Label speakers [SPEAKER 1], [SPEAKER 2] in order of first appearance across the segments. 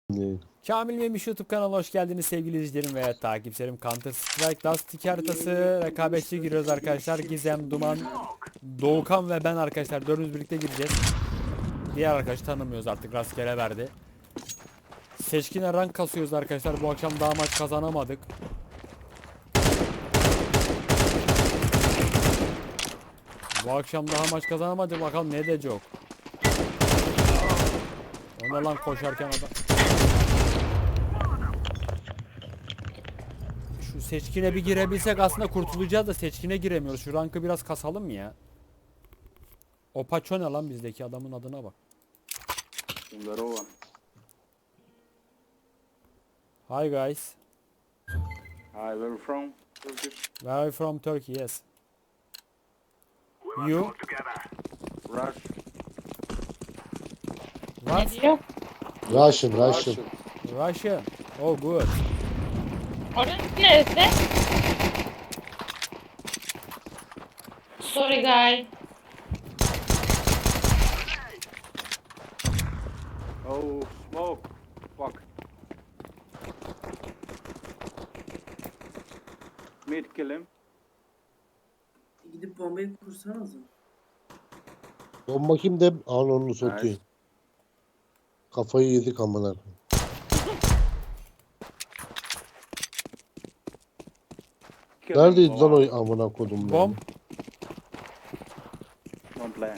[SPEAKER 1] Kamil Memiş YouTube kanalına hoş geldiniz sevgili izleyicilerim ve takipçilerim. Counter Strike Dust 2 haritası rekabetçi giriyoruz arkadaşlar. Gizem, Duman, Doğukan ve ben arkadaşlar dördümüz birlikte gireceğiz. Diğer arkadaşı tanımıyoruz artık, rastgele verdi. Seçkine rank kasıyoruz arkadaşlar. Bu akşam daha maç kazanamadık. Bu akşam daha maç kazanamadık, bakalım ne de çok. Ona lan koşarken adam. Şu seçkine bir girebilsek aslında kurtulacağız da seçkine giremiyoruz. Şu rankı biraz kasalım mı ya? O paço ne lan, bizdeki adamın adına bak. Hi guys.
[SPEAKER 2] Hi, where are you from? Turkish.
[SPEAKER 1] Where are you from? Turkey, yes. You?
[SPEAKER 2] Rush.
[SPEAKER 1] What?
[SPEAKER 3] Ne diyor?
[SPEAKER 4] Russian.
[SPEAKER 1] Russia. Oh good.
[SPEAKER 3] Orası neresi? Sorry guy.
[SPEAKER 2] Oh, smoke. Fuck. Mid, kill him.
[SPEAKER 5] Gidip bombayı kursanız mı?
[SPEAKER 4] Bomba kimde? Anonunu satıyor.
[SPEAKER 2] Nice.
[SPEAKER 4] Kafayı yedik amına.
[SPEAKER 2] Kill him.
[SPEAKER 4] Neredeydi lan o amına kodum?
[SPEAKER 1] Bomb.
[SPEAKER 2] Don't play.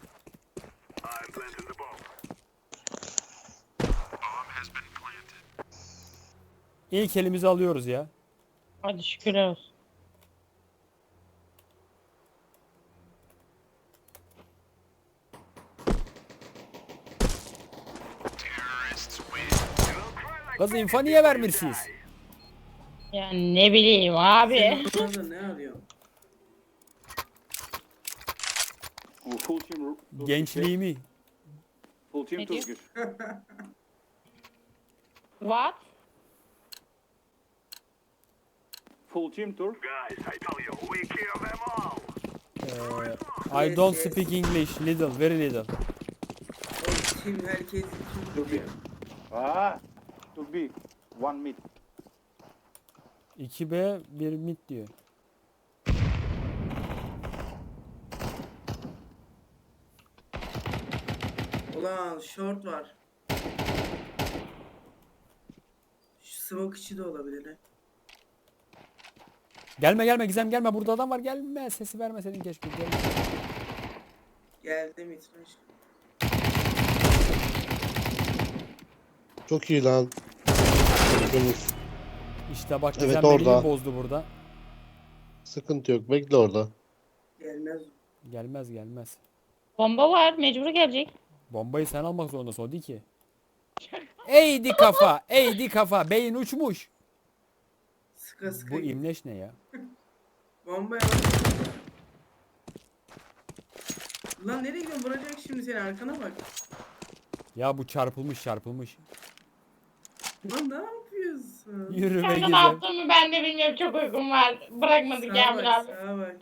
[SPEAKER 1] İlk elimizi alıyoruz ya.
[SPEAKER 3] Hadi şükürler olsun.
[SPEAKER 1] Kız info niye vermirsiniz?
[SPEAKER 3] Ya ne bileyim abi.
[SPEAKER 5] Sen orada ne arıyorsun?
[SPEAKER 2] Oh, full team. Turkish.
[SPEAKER 1] Gençliğimi.
[SPEAKER 2] Full team
[SPEAKER 3] Ne diyor?
[SPEAKER 2] Turkish.
[SPEAKER 3] What?
[SPEAKER 2] Full team Turk.
[SPEAKER 1] I don't speak English. Little, very little.
[SPEAKER 5] O kim herkes kim
[SPEAKER 2] Turkey.
[SPEAKER 5] biliyor?
[SPEAKER 2] Ah, Turk B. One mid.
[SPEAKER 1] 2B 1 mid diyor.
[SPEAKER 5] Ulan short var. Şu smoke içi de olabilir he.
[SPEAKER 1] Gelme Gizem, gelme, burada adam var, gelme, sesi vermeseydin keşke. Gelme.
[SPEAKER 5] Geldi mitraş.
[SPEAKER 4] Çok iyi lan. Bakınız.
[SPEAKER 1] İşte bak,
[SPEAKER 4] Evet,
[SPEAKER 1] Gizem
[SPEAKER 4] orada.
[SPEAKER 1] beni bozdu burada.
[SPEAKER 4] Sıkıntı yok. Bekle orada.
[SPEAKER 5] Gelmez.
[SPEAKER 1] Gelmez.
[SPEAKER 3] Bomba var, mecbur gelecek.
[SPEAKER 1] Bombayı sen almak zorundasın, o değil ki. Eğdi kafa, beyin uçmuş.
[SPEAKER 5] Sıka sıka.
[SPEAKER 1] Bu
[SPEAKER 5] git.
[SPEAKER 1] imleş ne ya?
[SPEAKER 5] Bombaya Lan nereye gidiyorsun? Vuracak şimdi seni, arkana bak.
[SPEAKER 1] Ya bu çarpılmış.
[SPEAKER 5] Lan ne yapıyorsun?
[SPEAKER 1] Yürü be
[SPEAKER 3] Kanka ne
[SPEAKER 1] Gizem.
[SPEAKER 3] yaptığımı ben de bilmiyorum, çok uykum var. Bırakmadık
[SPEAKER 5] Sağa
[SPEAKER 3] Kamil
[SPEAKER 5] bak,
[SPEAKER 3] abi.
[SPEAKER 5] sağa bak.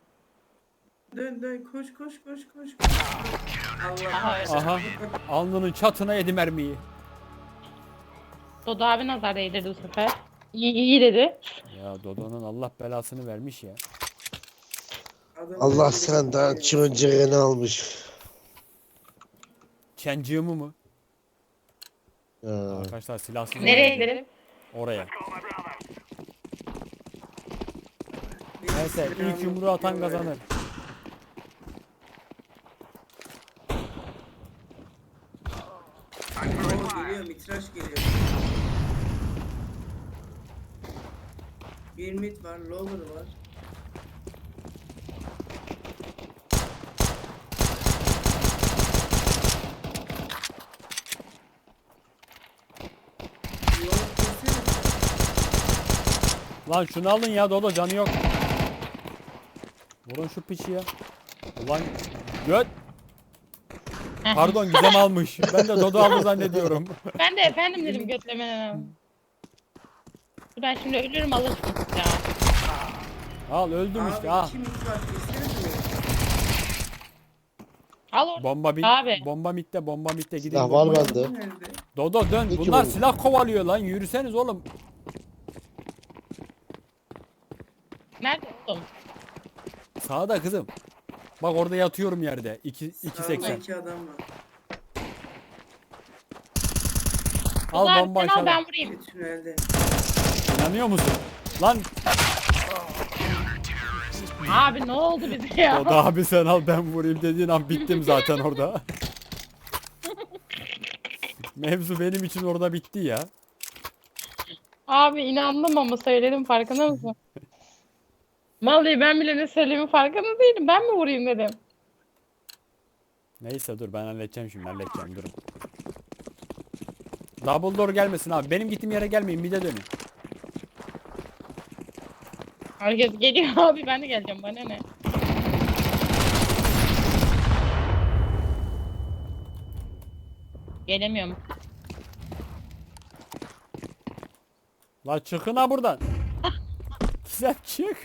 [SPEAKER 5] Dön koş. Allah.
[SPEAKER 1] Aha, alnının çatına yedi mermiyi.
[SPEAKER 3] Dodo abi nazar değdirdi bu sefer. İyi dedi.
[SPEAKER 1] Ya Dodo'nun Allah belasını vermiş ya.
[SPEAKER 5] Adam
[SPEAKER 4] Allah
[SPEAKER 5] öyle
[SPEAKER 4] senden
[SPEAKER 5] bir-
[SPEAKER 4] çığıncığını almış.
[SPEAKER 1] Çencığımı mı?
[SPEAKER 4] Ya.
[SPEAKER 1] Arkadaşlar silahsız
[SPEAKER 3] Nereye
[SPEAKER 1] oynayacağım.
[SPEAKER 3] gidelim?
[SPEAKER 1] Oraya.
[SPEAKER 5] Benim
[SPEAKER 1] Neyse, ilk
[SPEAKER 5] silahım
[SPEAKER 1] yumruğu atan
[SPEAKER 5] yok
[SPEAKER 1] kazanır.
[SPEAKER 5] Oo, geliyor, mitraş geliyor. Bir mid var, lower var. Lower kessene.
[SPEAKER 1] Lan şunu alın ya, Dodo canı yok. Vurun şu piçi ya. Ulan göt. Pardon, Gizem almış. Ben de Dodo aldı zannediyorum.
[SPEAKER 3] Ben de efendim dedim götlemene. Ben şimdi ölürüm alırsın ya.
[SPEAKER 1] Al, öldüm işte.
[SPEAKER 5] Abi
[SPEAKER 1] Ah.
[SPEAKER 5] iki mid var, kessene şunu.
[SPEAKER 3] Al orada.
[SPEAKER 1] Bomba bit.
[SPEAKER 3] Abi.
[SPEAKER 1] Bomba mitte, bomba mitte. Gidin
[SPEAKER 4] Silah var
[SPEAKER 1] bombaya.
[SPEAKER 4] bende.
[SPEAKER 5] Nerede?
[SPEAKER 1] Dodo dön.
[SPEAKER 4] İki
[SPEAKER 1] Bunlar
[SPEAKER 4] vurdu.
[SPEAKER 1] silah kovalıyor lan. Yürüseniz oğlum.
[SPEAKER 3] Nerede oğlum?
[SPEAKER 1] Sağda kızım. Bak orada yatıyorum yerde. 2.80.
[SPEAKER 5] Sağda iki adam var.
[SPEAKER 1] Al
[SPEAKER 3] Ulan
[SPEAKER 1] bomba
[SPEAKER 3] sen al
[SPEAKER 1] aşağı.
[SPEAKER 3] ben vurayım.
[SPEAKER 5] Bir tünelde.
[SPEAKER 1] İnanıyor musun? Lan
[SPEAKER 3] Abi ne oldu bize ya?
[SPEAKER 1] Dodo abi sen al ben vurayım dediğin an bittim zaten orada. Mevzu benim için orada bitti ya.
[SPEAKER 3] Abi inandım ama söyledim farkında mısın? Vallahi ben bile ne söylediğimin farkında değilim. Ben mi vurayım dedim.
[SPEAKER 1] Neyse dur ben halledeceğim şimdi halledeceğim durun. Double door gelmesin abi. Benim gittiğim yere gelmeyin bir de dönün.
[SPEAKER 3] Herkes geliyor abi ben de geleceğim bana ne? Gelemiyorum.
[SPEAKER 1] La çıkın ha buradan. Güzel çık.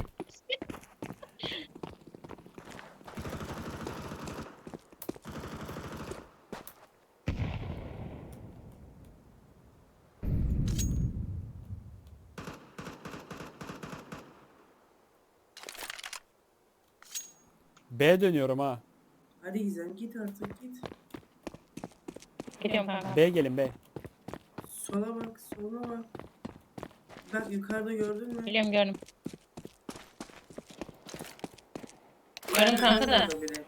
[SPEAKER 1] B dönüyorum ha.
[SPEAKER 5] Hadi Gizem git artık git.
[SPEAKER 3] Geliyorum kanka.
[SPEAKER 1] B gelin B.
[SPEAKER 5] Sola bak sola bak. Bak yukarıda gördün mü?
[SPEAKER 3] Geliyorum gördüm. Gördüm kanka da.
[SPEAKER 5] Orada biri.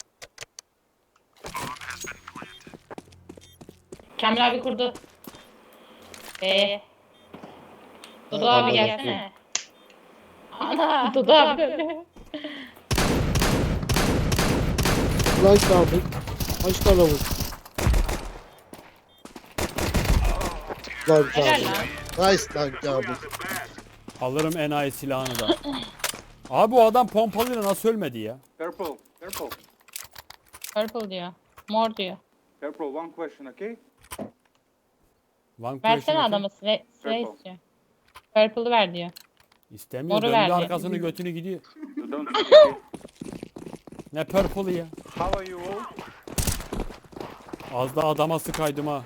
[SPEAKER 3] Kamil abi kurdu. Dudu
[SPEAKER 4] Ha,
[SPEAKER 3] abi
[SPEAKER 4] ama
[SPEAKER 3] gelsene. Ana Dudu abi döndü.
[SPEAKER 4] Lan abi. Kaç tane vur? Lan
[SPEAKER 3] Helal
[SPEAKER 4] abi.
[SPEAKER 3] lan.
[SPEAKER 4] Nice lan abi.
[SPEAKER 1] Alırım enayi silahını da. Abi o adam pompalıyla nasıl ölmedi ya?
[SPEAKER 2] Careful, careful,
[SPEAKER 3] Purple diyor. Mor diyor.
[SPEAKER 2] careful. One question, okay?
[SPEAKER 1] One
[SPEAKER 3] Versene
[SPEAKER 1] question
[SPEAKER 3] adamı sıra
[SPEAKER 2] Purple.
[SPEAKER 3] istiyor. Purple'ı ver diyor.
[SPEAKER 1] İstemiyor.
[SPEAKER 3] Moru
[SPEAKER 1] Döndü
[SPEAKER 3] verdi.
[SPEAKER 1] arkasını götünü gidiyor.
[SPEAKER 2] You don't speak, okay?
[SPEAKER 1] Ne purple'ı ya?
[SPEAKER 2] How are you all?
[SPEAKER 1] Az da adama sıkaydım ha.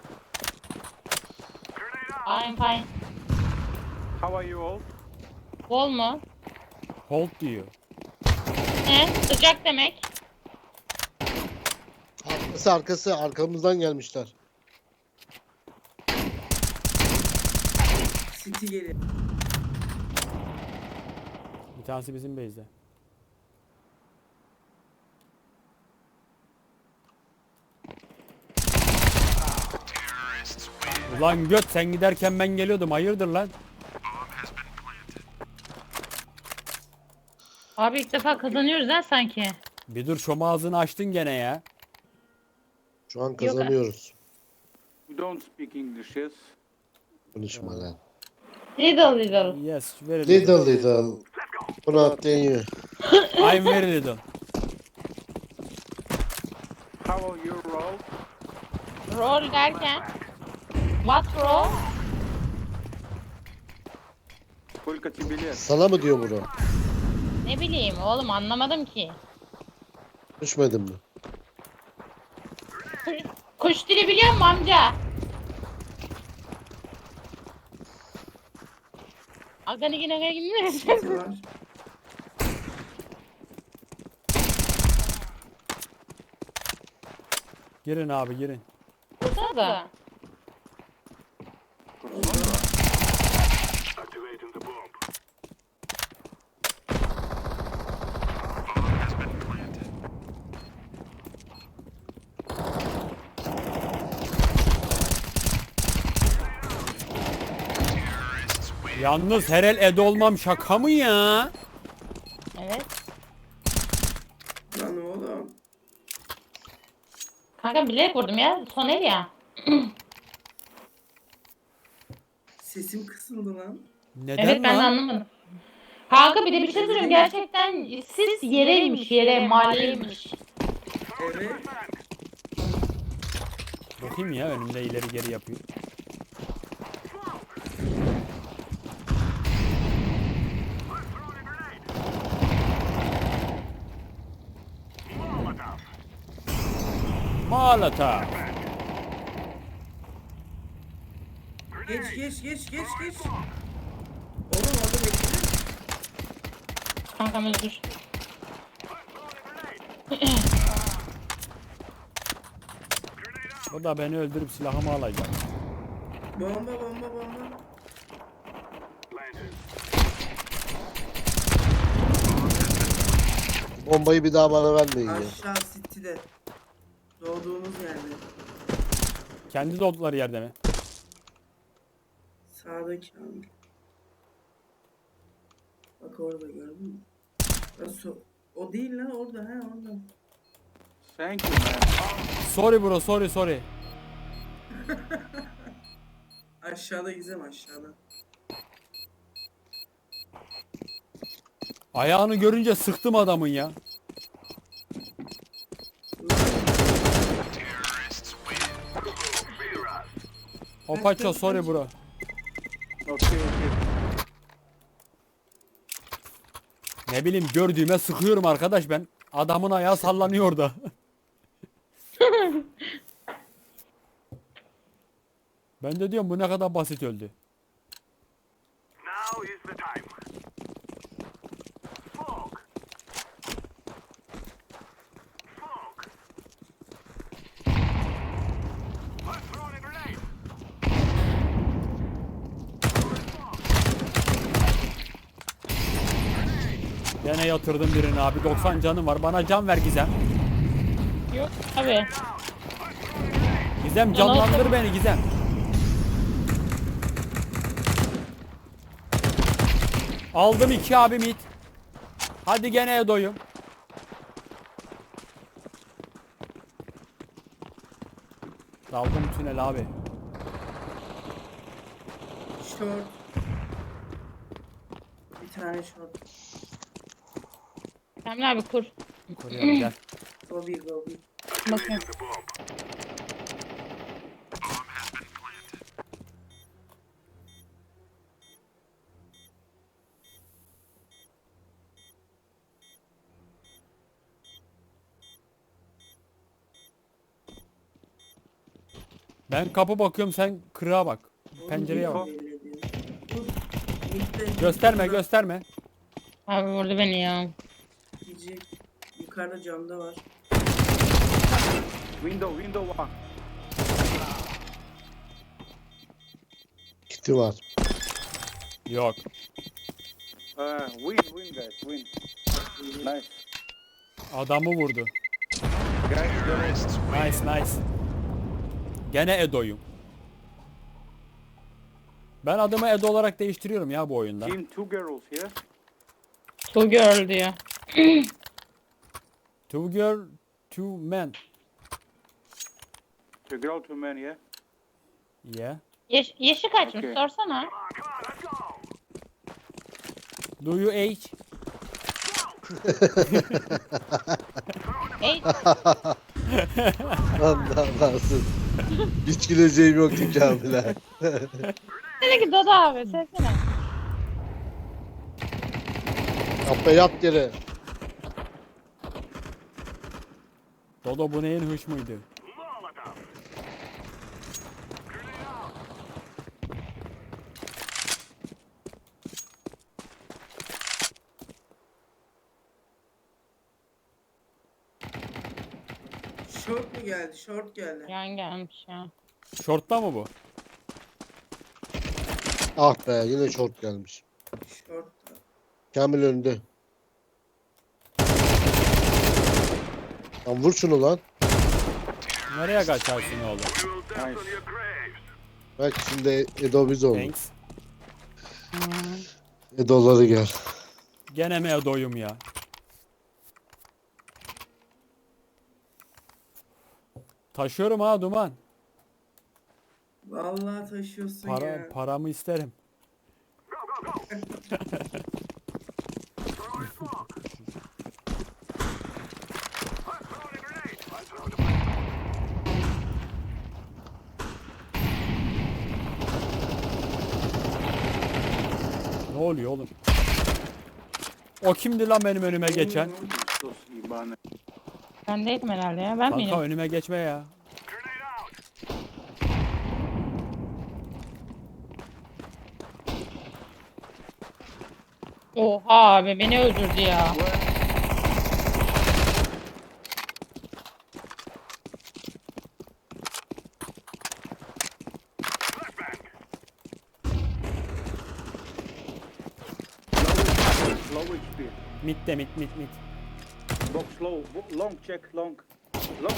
[SPEAKER 3] I'm fine.
[SPEAKER 2] How are you all?
[SPEAKER 3] Bol mu?
[SPEAKER 1] Hold diyor.
[SPEAKER 3] Ne? Sıcak demek.
[SPEAKER 4] Arkası arkamızdan gelmişler.
[SPEAKER 5] City geliyor.
[SPEAKER 1] Bir tanesi bizim base'de. Ulan göt sen giderken ben geliyordum. Hayırdır lan?
[SPEAKER 3] Abi ilk defa kazanıyoruz ha sanki.
[SPEAKER 1] Bir dur şom ağzını açtın gene ya.
[SPEAKER 4] Şu an kazanıyoruz.
[SPEAKER 2] You don't speak English, yes?
[SPEAKER 4] Konuşma lan.
[SPEAKER 3] Little little.
[SPEAKER 1] Yes, very little.
[SPEAKER 4] Little little. Bunu atlayan yiyor.
[SPEAKER 1] I'm very little.
[SPEAKER 2] How are you all?
[SPEAKER 3] Roll derken. What roll?
[SPEAKER 2] Сколько тебе лет?
[SPEAKER 4] Sana mı diyor bunu?
[SPEAKER 3] Ne bileyim oğlum anlamadım ki.
[SPEAKER 4] Düşmedin mi?
[SPEAKER 3] Kuş dili biliyor musun amca? Agani yine gidiyor.
[SPEAKER 5] City var.
[SPEAKER 1] Girin abi girin.
[SPEAKER 3] Burada da.
[SPEAKER 1] Yalnız herel ed olmam şaka mı ya?
[SPEAKER 3] Evet.
[SPEAKER 5] Lan oğlum.
[SPEAKER 3] Kanka bilerek vurdum ya. Son el ya.
[SPEAKER 5] Sesim kısıldı lan.
[SPEAKER 1] Neden
[SPEAKER 3] Evet ben de
[SPEAKER 1] lan?
[SPEAKER 3] anlamadım. Kanka bir de bir şey söyleyeyim. Gerçekten siz yereymiş yere maliyeymiş.
[SPEAKER 5] Evet.
[SPEAKER 1] Bakayım ya önümde ileri geri yapıyor. Molotov.
[SPEAKER 5] Geç. Oğlum orada bekle.
[SPEAKER 3] Kankam özür.
[SPEAKER 1] O da beni öldürüp silahımı alacak.
[SPEAKER 5] Bomba.
[SPEAKER 4] Bombayı bir daha bana vermeyin ya.
[SPEAKER 5] Aşağı City'de. Doğduğumuz yerde.
[SPEAKER 1] Kendi doğdukları yerde mi?
[SPEAKER 5] Sağdaki abi. Bak orada gördün mü? Nasıl? O değil lan orada orada.
[SPEAKER 2] Thank you, man.
[SPEAKER 1] Sorry bro, sorry.
[SPEAKER 5] Aşağıda Gizem aşağıda.
[SPEAKER 1] Ayağını görünce sıktım adamın ya. Opaço sorry bro.
[SPEAKER 2] Okay.
[SPEAKER 1] Ne bileyim gördüğüme sıkıyorum arkadaş ben. Adamın ayağı sallanıyor orada. Ben de diyorum bu ne kadar basit öldü.
[SPEAKER 6] Now is the time. Fog. Let's throw a grenade.
[SPEAKER 1] Gene yatırdım birini abi. 90 canım var. Bana can ver Gizem.
[SPEAKER 3] Yok abi.
[SPEAKER 1] Gizem canlandır beni Gizem. Aldım 2 abi mit. Hadi gene doyum. Daldım tünel abi.
[SPEAKER 5] Short. Bir tane short.
[SPEAKER 3] Emre abi kur.
[SPEAKER 1] Koruyorum gel.
[SPEAKER 5] Gobi.
[SPEAKER 3] Bakın.
[SPEAKER 1] Ben kapı bakıyorum sen kırığa bak. Pencereye bak.
[SPEAKER 5] Belli ediyor. Bu midde-
[SPEAKER 1] Gösterme.
[SPEAKER 3] Abi vurdu beni ya.
[SPEAKER 5] Gidecek. Yukarıda camda var.
[SPEAKER 2] Window one.
[SPEAKER 4] Kiti var.
[SPEAKER 1] Yok.
[SPEAKER 2] Win guys, win. Nice.
[SPEAKER 1] Adamı vurdu.
[SPEAKER 2] Guys,
[SPEAKER 1] Nice. Gene Edo'yum. Ben adımı Edo olarak değiştiriyorum ya bu oyunda.
[SPEAKER 2] team 2 girls here.
[SPEAKER 3] Two girl diyor.
[SPEAKER 1] 2 girl, 2 men.
[SPEAKER 2] 2 girl, 2 men, yeah.
[SPEAKER 1] Yeah.
[SPEAKER 3] Yaşı kaçmış
[SPEAKER 2] Okey.
[SPEAKER 3] sorsana.
[SPEAKER 1] Do you age?
[SPEAKER 3] Ey,
[SPEAKER 4] Allah nasıl? Hiç güleceğim yoktu Kamil'e.
[SPEAKER 3] dedi ki Dodo abi sevsene.
[SPEAKER 4] Yat yere.
[SPEAKER 1] Dodo bu neyin hış mıydı?
[SPEAKER 5] Short mu geldi? Short geldi.
[SPEAKER 3] Yan gelmiş ya.
[SPEAKER 1] Şortta mı bu?
[SPEAKER 4] Ah be yine short gelmiş.
[SPEAKER 5] Short.
[SPEAKER 4] Kamil önünde. Lan vur şunu lan.
[SPEAKER 1] Nereye kaçarsın oğlum?
[SPEAKER 2] Nice.
[SPEAKER 4] Bak şimdi Edo biz oldu.
[SPEAKER 1] Thanks.
[SPEAKER 4] Edo'ları gel.
[SPEAKER 1] Gene mi Edo'yum ya? Taşıyorum ha Duman.
[SPEAKER 5] Vallahi taşıyorsun ya.
[SPEAKER 1] Paramı isterim. Ne oluyor oğlum? O kimdi lan benim önüme geçen?
[SPEAKER 2] Sus ibane.
[SPEAKER 3] Ben değilim herhalde ya. Ben
[SPEAKER 1] Kanka
[SPEAKER 3] miyim?
[SPEAKER 1] önüme geçme ya.
[SPEAKER 3] Oha abi beni öldürdü ya.
[SPEAKER 2] Low HP.
[SPEAKER 1] Mid'de mid.
[SPEAKER 2] Box low. Long check. Long. Long.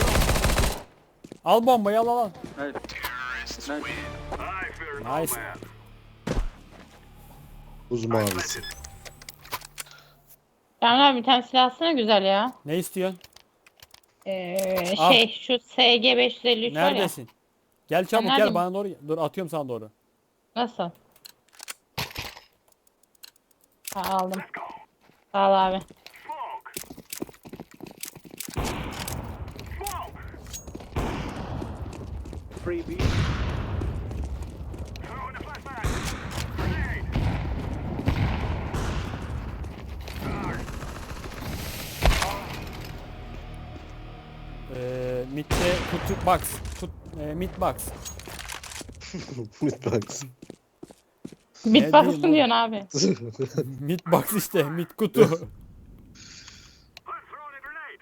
[SPEAKER 1] Al bombayı al.
[SPEAKER 2] Nice. Nice.
[SPEAKER 6] I fear no
[SPEAKER 1] Nice.
[SPEAKER 6] man.
[SPEAKER 4] Buz mavisi.
[SPEAKER 3] Yani abi bir tane silah alsana güzel ya.
[SPEAKER 1] Ne istiyorsun? Al.
[SPEAKER 3] Şu SG553 var ya.
[SPEAKER 1] Neredesin? Gel çabuk gel
[SPEAKER 3] neredeyim?
[SPEAKER 1] bana doğru. Dur atıyorum sana doğru.
[SPEAKER 3] Nasıl? Ha, aldım. Sağ ol abi.
[SPEAKER 2] Freebie.
[SPEAKER 6] Throwing a flashbang. Grenade.
[SPEAKER 1] Mid'de kutu box. Mid box.
[SPEAKER 4] Midbox.
[SPEAKER 3] Bitbox'ın
[SPEAKER 1] diyeyim
[SPEAKER 3] diyorsun abi.
[SPEAKER 1] Mid box işte. Mid kutu.
[SPEAKER 6] I'm throwing a grenade.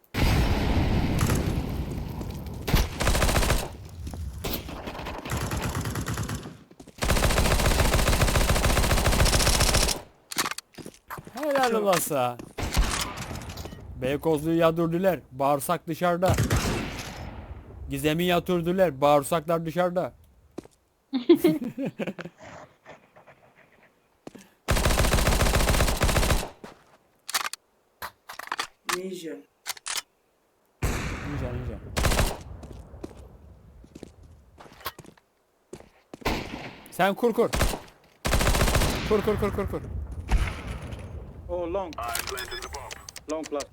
[SPEAKER 1] Helal olasa. Beykozlu'yu yadırdılar. Bağırsak dışarıda. Gizem'i yatırdılar. Bağırsaklar dışarıda.
[SPEAKER 5] Ninja.
[SPEAKER 1] Ninja. Sen kur. Kur.
[SPEAKER 2] Oh, long.
[SPEAKER 6] I'm planting the bomb.
[SPEAKER 2] Long plus.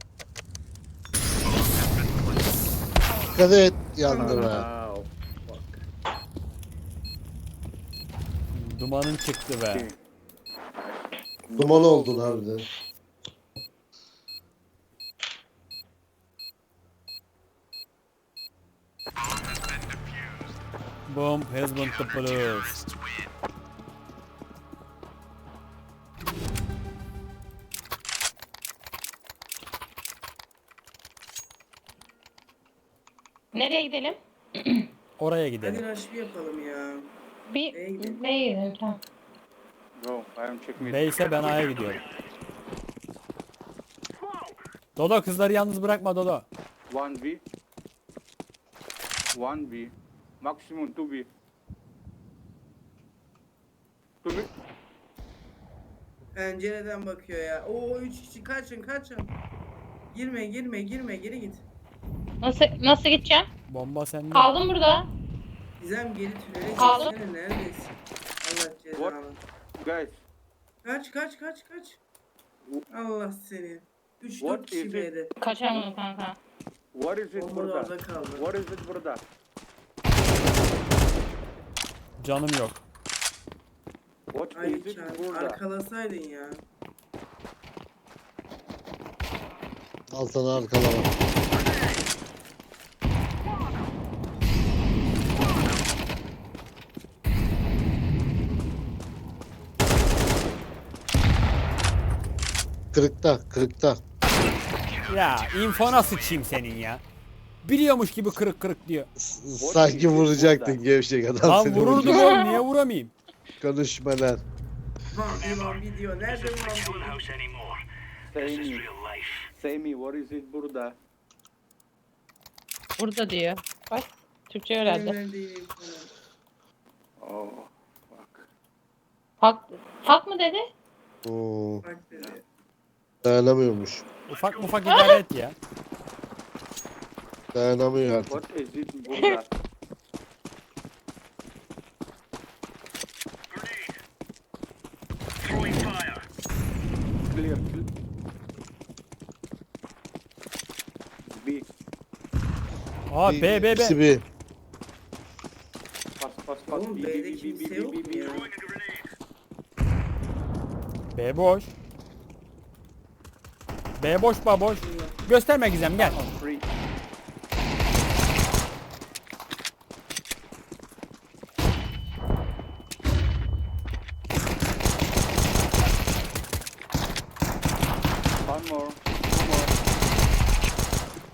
[SPEAKER 4] Dikkat et yandı be.
[SPEAKER 2] Wow. Fuck.
[SPEAKER 1] Dumanın çıktı be.
[SPEAKER 2] Okay.
[SPEAKER 4] Duman oldun harbiden.
[SPEAKER 1] Bomb has been defused.
[SPEAKER 3] Nereye gidelim?
[SPEAKER 1] Oraya
[SPEAKER 5] Hadi
[SPEAKER 1] gidelim.
[SPEAKER 5] rush bir yapalım ya.
[SPEAKER 3] Bir
[SPEAKER 5] B'ye gidelim.
[SPEAKER 3] B'ye gidelim tamam.
[SPEAKER 2] Go. I am checking it.
[SPEAKER 1] Neyse ben A'ya gidiyorum. Dodo kızları yalnız bırakma Dodo.
[SPEAKER 2] 1B. 1B. Maximum 2B. 2B.
[SPEAKER 5] Pencereden bakıyor ya. Oo 3 kişi kaçın. Girme geri git.
[SPEAKER 3] Nasıl gideceğim?
[SPEAKER 1] Bomba sende.
[SPEAKER 3] Kaldım burada.
[SPEAKER 5] Gizem geri tünele
[SPEAKER 3] Kaldım.
[SPEAKER 5] geçsene neredesin? Allah cezanı.
[SPEAKER 2] Guys.
[SPEAKER 5] Kaç. Allah seni. 3-4
[SPEAKER 2] What
[SPEAKER 5] kişi
[SPEAKER 2] is it?
[SPEAKER 5] B'de.
[SPEAKER 3] Kaçamadım kanka.
[SPEAKER 2] What is it
[SPEAKER 5] Bomba da
[SPEAKER 2] burada?
[SPEAKER 5] orada kaldı.
[SPEAKER 2] What is it burada?
[SPEAKER 1] Canım yok.
[SPEAKER 2] What
[SPEAKER 5] Ay
[SPEAKER 2] is it
[SPEAKER 5] Çağrı,
[SPEAKER 2] burada?
[SPEAKER 5] arkalasaydın ya.
[SPEAKER 4] Al sana arkalama. Kırıkta.
[SPEAKER 1] Ya infona sıçayım senin ya. Biliyormuş gibi kırık diyor.
[SPEAKER 4] Sanki vuracaktın gevşek adam
[SPEAKER 1] Lan
[SPEAKER 4] seni
[SPEAKER 1] vururdum
[SPEAKER 4] vuracak.
[SPEAKER 1] oğlum niye vuramayayım?
[SPEAKER 4] Konuşma lan.
[SPEAKER 5] Lan video. Nerede
[SPEAKER 6] Showing
[SPEAKER 5] lan?
[SPEAKER 6] house anymore.
[SPEAKER 2] Say
[SPEAKER 6] This is
[SPEAKER 2] me.
[SPEAKER 6] real life.
[SPEAKER 2] Say me. What is it burada?
[SPEAKER 3] Burada diyor. Bak Türkçe öğrendi.
[SPEAKER 5] Neredeyim falan.
[SPEAKER 2] Oh. Fuck.
[SPEAKER 3] Hak mı dedi?
[SPEAKER 4] Oo,
[SPEAKER 5] Bak dedi.
[SPEAKER 4] dayanamıyormuş.
[SPEAKER 1] Ufak idare et ya.
[SPEAKER 4] Dayanamıyor artık.
[SPEAKER 2] What is it burada?
[SPEAKER 6] Grenade. Throwing fire.
[SPEAKER 2] Clear. B.
[SPEAKER 1] Aa B.
[SPEAKER 4] İkisi bir.
[SPEAKER 2] Pass.
[SPEAKER 5] Oğlum
[SPEAKER 2] B,
[SPEAKER 5] B'de
[SPEAKER 2] B, B,
[SPEAKER 5] kimse
[SPEAKER 2] B,
[SPEAKER 5] yok
[SPEAKER 2] B,
[SPEAKER 5] mu
[SPEAKER 2] B,
[SPEAKER 5] ya?
[SPEAKER 6] Throwing a grenade.
[SPEAKER 1] B boş. B boş baboş. Gösterme Gizem gel.
[SPEAKER 2] On 3.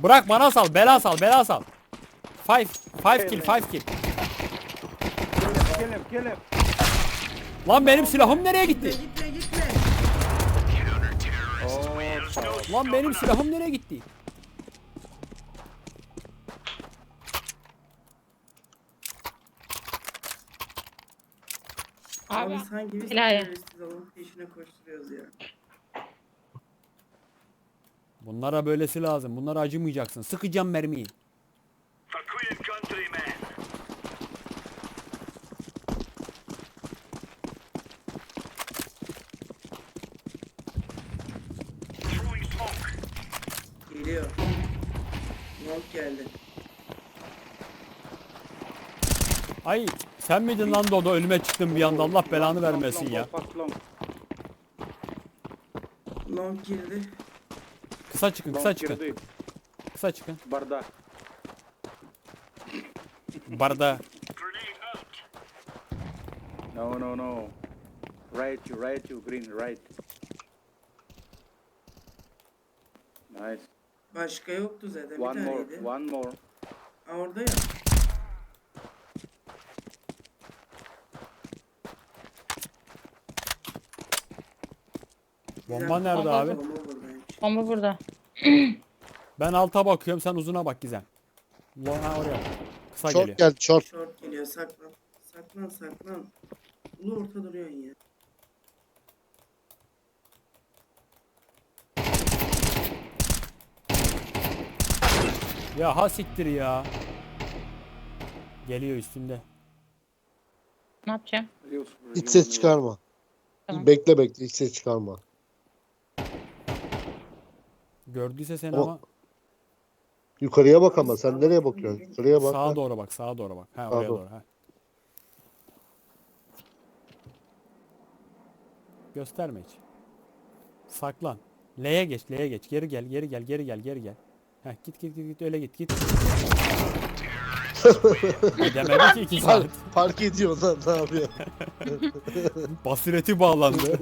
[SPEAKER 1] Bırak bana sal. Bela sal. Bela sal. 5 kill. 5 kill.
[SPEAKER 2] Kill him.
[SPEAKER 1] Lan benim silahım nereye
[SPEAKER 5] Gitme
[SPEAKER 1] gitti?
[SPEAKER 5] gitme gitme.
[SPEAKER 1] Lan benim silahım nereye gitti?
[SPEAKER 5] Abi
[SPEAKER 3] Abi
[SPEAKER 5] sanki biz
[SPEAKER 3] helal ya.
[SPEAKER 5] teröristiz onun peşine koşturuyoruz ya.
[SPEAKER 1] Bunlara böylesi lazım. Bunlara acımayacaksın. Sıkacağım mermiyi.
[SPEAKER 6] For Queen and Country, men. Throwing smoke.
[SPEAKER 5] Geliyor. Long geldi.
[SPEAKER 1] Ay sen miydin lan Dodo? Ölüme çıktın bir anda. Allah belanı vermesin ya.
[SPEAKER 2] Fast long.
[SPEAKER 5] Long girdi.
[SPEAKER 1] Kısa çıkın. Kısa
[SPEAKER 2] Long
[SPEAKER 1] çıkın.
[SPEAKER 2] girdi.
[SPEAKER 1] Kısa çıkın.
[SPEAKER 2] Barda.
[SPEAKER 1] Barda.
[SPEAKER 6] Grenade out.
[SPEAKER 2] No. Right you, green, right. Nice.
[SPEAKER 5] Başka yoktu zaten.
[SPEAKER 2] One
[SPEAKER 5] bir
[SPEAKER 2] more,
[SPEAKER 5] taneydi.
[SPEAKER 2] one more.
[SPEAKER 5] Aa, orada ya.
[SPEAKER 1] Bomba nerede abi?
[SPEAKER 5] Bomba buradaymış.
[SPEAKER 3] Bomba burada.
[SPEAKER 1] Ben alta bakıyorum. Sen uzuna bak Gizem. Ha oraya. Kısa
[SPEAKER 4] Short
[SPEAKER 1] geliyor.
[SPEAKER 4] geldi short.
[SPEAKER 5] Short geliyor saklan. Saklan. Ulu orta duruyorsun ya.
[SPEAKER 1] Ya ha siktir ya. Geliyor üstünde.
[SPEAKER 3] Ne yapacağım?
[SPEAKER 4] Hiç ses çıkarma.
[SPEAKER 3] Tamam.
[SPEAKER 4] Bekle hiç ses çıkarma.
[SPEAKER 1] Gördüyse seni
[SPEAKER 4] O-
[SPEAKER 1] ama
[SPEAKER 4] Yukarıya bak ama sen nereye bakıyorsun? Yukarıya bak.
[SPEAKER 1] sağa doğru bak. Sağa doğru bak. Ha oraya
[SPEAKER 4] doğru.
[SPEAKER 1] doğru. Ha. Gösterme hiç. Saklan. L'ye geç. Geri gel. Heh, git öyle git. Demedi ki 2 saat.
[SPEAKER 4] Fark ediyor lan ne yapıyor?
[SPEAKER 1] Basireti bağlandı.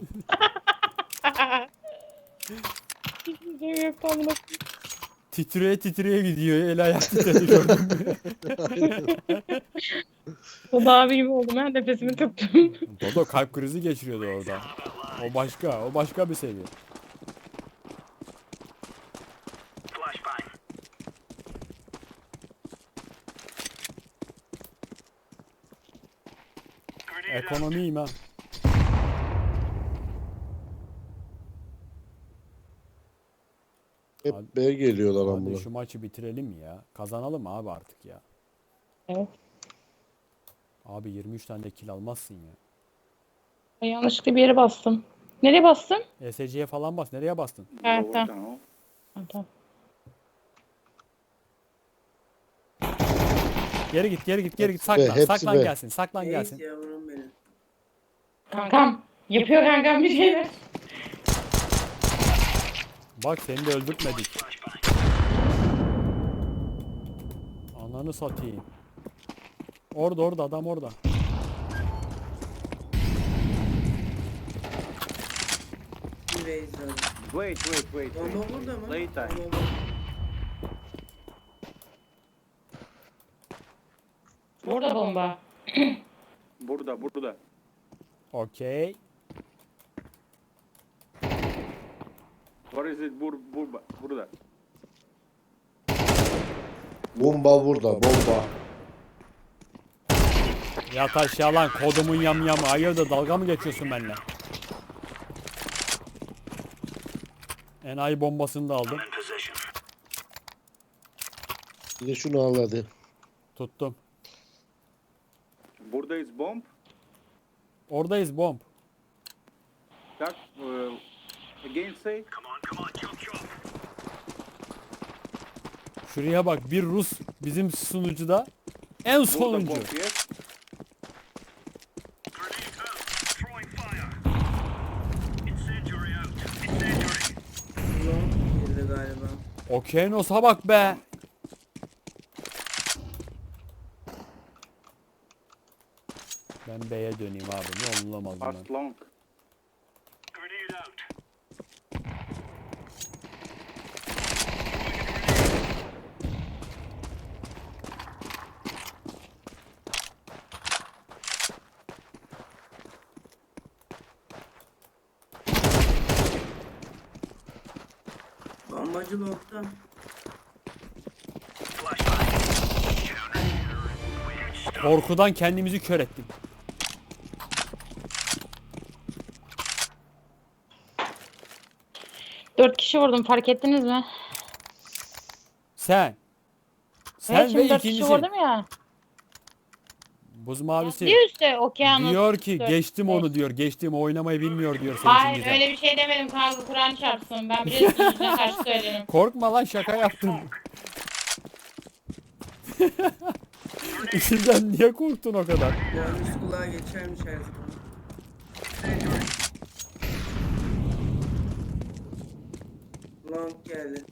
[SPEAKER 3] Hiçbir şey yok tam da.
[SPEAKER 1] Titreye gidiyor. El ayak titredi gördün mü?
[SPEAKER 3] O da abi gibi oldum ha. Nefesimi tuttum.
[SPEAKER 1] Dodo kalp krizi geçiriyordu orada. O başka bir seviye.
[SPEAKER 6] Flashbang. Grenade out.
[SPEAKER 1] Ekonomiyim ha.
[SPEAKER 4] Hep B geliyorlar
[SPEAKER 1] Hadi
[SPEAKER 4] amına.
[SPEAKER 1] şu maçı bitirelim ya. Kazanalım abi artık ya.
[SPEAKER 3] Evet.
[SPEAKER 1] Abi 23 tane de kill almazsın ya.
[SPEAKER 3] Ben yanlışlıkla bir yere bastım. Nereye bastım?
[SPEAKER 1] ESC'ye falan bas. Nereye bastın?
[SPEAKER 3] Evet,
[SPEAKER 2] Lower
[SPEAKER 3] tamam.
[SPEAKER 2] down.
[SPEAKER 3] Ha, tamam.
[SPEAKER 1] Geri git.
[SPEAKER 4] Hepsi
[SPEAKER 1] Saklan.
[SPEAKER 4] be, hepsi
[SPEAKER 1] Saklan
[SPEAKER 4] be.
[SPEAKER 1] gelsin. Saklan
[SPEAKER 5] Neyse
[SPEAKER 1] gelsin.
[SPEAKER 5] yavrum benim.
[SPEAKER 3] Kankam. Yapıyor kankam bir şeyler.
[SPEAKER 1] Bak seni de öldürtmedik. Ananı satayım. Orada adam orada.
[SPEAKER 5] Bir reis abi.
[SPEAKER 2] Wait.
[SPEAKER 5] Bomba burada mı?
[SPEAKER 2] Later.
[SPEAKER 5] Bomba.
[SPEAKER 3] Burada bomba.
[SPEAKER 2] Burada.
[SPEAKER 1] Okey.
[SPEAKER 2] Where is it? Burada.
[SPEAKER 4] Bomba burada bomba.
[SPEAKER 1] Yat aşağı lan kodumun yamyamı. Hayırdır dalga mı geçiyorsun benimle? Enayi bombasını da aldım.
[SPEAKER 6] In position.
[SPEAKER 4] Bir de şunu al hadi.
[SPEAKER 1] Tuttum.
[SPEAKER 2] Buradayız bomb.
[SPEAKER 1] Oradayız bomb.
[SPEAKER 2] Tak. Again say.
[SPEAKER 6] Come on, chop.
[SPEAKER 1] Şuraya bak bir Rus bizim sunucuda en
[SPEAKER 2] Burada
[SPEAKER 1] sonuncu.
[SPEAKER 2] bomb, yes.
[SPEAKER 6] Grenade out. Throwing fire. Incendiary out. Incendiary.
[SPEAKER 5] Long girdi galiba.
[SPEAKER 1] Okyanos'a bak be. Ben B'ye döneyim abi. Ne olamaz bundan.
[SPEAKER 2] Fast long.
[SPEAKER 6] Grenade out.
[SPEAKER 5] Lambacı longta.
[SPEAKER 1] Korkudan kendimizi kör ettik.
[SPEAKER 3] Dört kişi vurdum, fark ettiniz mi?
[SPEAKER 1] Sen. Sen
[SPEAKER 3] Evet,
[SPEAKER 1] ve
[SPEAKER 3] şimdi 4 kişi
[SPEAKER 1] ikincisi.
[SPEAKER 3] vurdum ya.
[SPEAKER 1] Buz mavisi.
[SPEAKER 3] Diyor işte okyanus.
[SPEAKER 1] Diyor ki
[SPEAKER 3] dört,
[SPEAKER 1] geçtim
[SPEAKER 3] beş.
[SPEAKER 1] onu diyor. Geçtim, oynamayı bilmiyor diyor senin için
[SPEAKER 3] Hayır
[SPEAKER 1] Gizem.
[SPEAKER 3] öyle bir şey demedim kanka, Kur'an çarpsın. Ben biliyorsun yüzüne karşı söylerim.
[SPEAKER 1] Korkma lan, şaka yaptım. İçinden niye korktun o kadar?
[SPEAKER 5] Yani üst kulağa geçermiş her zaman. Long geldi.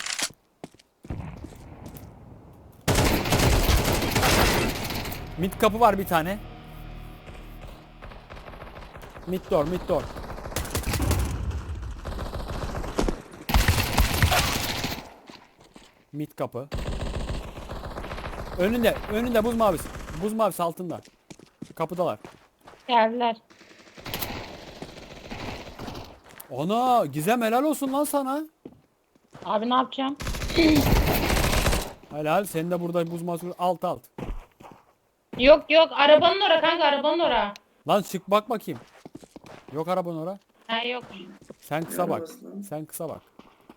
[SPEAKER 1] Mid kapı var bir tane. Mid door, mid door. Mid kapı. Önünde buz mavisi. Buz mavisi altında. Kapıdalar.
[SPEAKER 3] Geldiler.
[SPEAKER 1] Ana Gizem, helal olsun lan sana.
[SPEAKER 3] Abi ne yapacağım?
[SPEAKER 1] Helal, sen de burada buz mavisi alt.
[SPEAKER 3] Yok yok, arabanın ora kanka, arabanın ora.
[SPEAKER 1] Lan çık bak bakayım. Yok arabanın ora.
[SPEAKER 3] Ha yok.
[SPEAKER 1] Sen kısa bak.
[SPEAKER 5] arabası lan?
[SPEAKER 1] Sen kısa bak.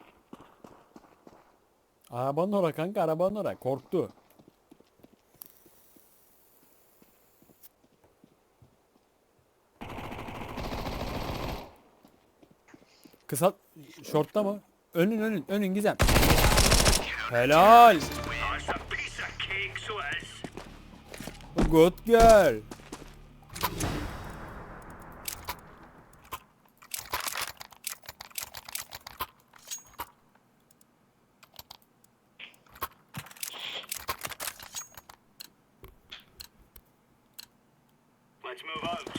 [SPEAKER 1] Arabanın ora kanka, arabanın ora. Korktu. Kısa şortta mı? Önün Gizem. Helal.
[SPEAKER 6] Oh, it's a piece of cake, so it is.
[SPEAKER 1] Good girl.
[SPEAKER 6] Let's move out.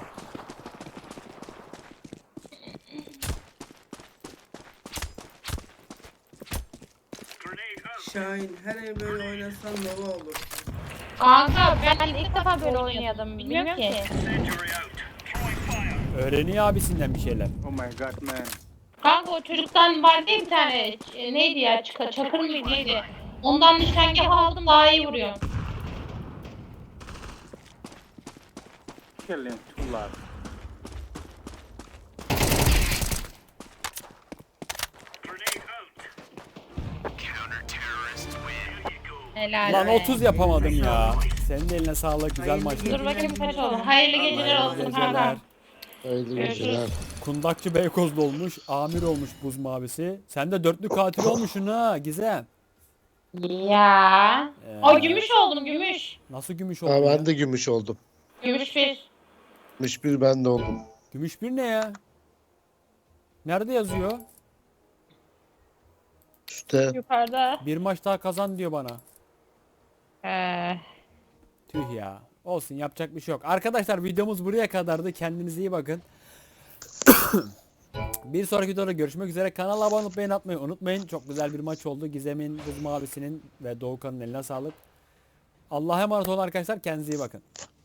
[SPEAKER 6] Grenade out.
[SPEAKER 5] Şahin her ev böyle oynasan nova olur.
[SPEAKER 3] Kanka ben ilk defa böyle oynuyordum. Bilmiyorum ki.
[SPEAKER 6] Incendiary out. Throwing fire.
[SPEAKER 1] Öğreniyor abisinden bir şeyler.
[SPEAKER 2] Oh my god, man.
[SPEAKER 3] Kanka o çocuktan vardı ya bir tane. Neydi ya? Çakır mıydı neydi? Ondan nişangah aldım, daha iyi vuruyor.
[SPEAKER 2] Kill him, too loud.
[SPEAKER 6] Grenade out. Counter-terrorists win. Here you go.
[SPEAKER 3] Helal.
[SPEAKER 1] Lan
[SPEAKER 3] be.
[SPEAKER 1] 30 yapamadım ya. Senin de eline sağlık, güzel maçtı.
[SPEAKER 3] Dur bakayım kaç oldu. Hayırlı geceler olsun
[SPEAKER 1] Geceler.
[SPEAKER 3] kanka.
[SPEAKER 4] Hayırlı
[SPEAKER 3] Görüşürüz.
[SPEAKER 4] geceler.
[SPEAKER 1] Kundakçı Beykozlu olmuş, amir olmuş buz mavisi. Sen de dörtlü katil olmuşsun ha Gizem.
[SPEAKER 3] Ya. O gümüş oldum, gümüş.
[SPEAKER 1] Nasıl gümüş
[SPEAKER 4] Ha,
[SPEAKER 1] oldun ya?
[SPEAKER 4] ben de gümüş oldum.
[SPEAKER 3] Gümüş bir.
[SPEAKER 4] Gümüş bir ben de oldum.
[SPEAKER 1] Gümüş bir ne ya? Nerede yazıyor?
[SPEAKER 4] Üste.
[SPEAKER 3] Yukarıda.
[SPEAKER 1] Bir maç daha kazan diyor bana.
[SPEAKER 3] Ee,
[SPEAKER 1] Tüh ya. Olsun, yapacak bir şey yok. Arkadaşlar videomuz buraya kadardı. Kendinize iyi bakın. Bir sonraki videoda görüşmek üzere. Kanala abone olup beğeni atmayı unutmayın. Çok güzel bir maç oldu. Gizem'in, Buz Mavisi'nin ve Doğukan'ın eline sağlık. Allah'a emanet olun arkadaşlar. Kendinize iyi bakın.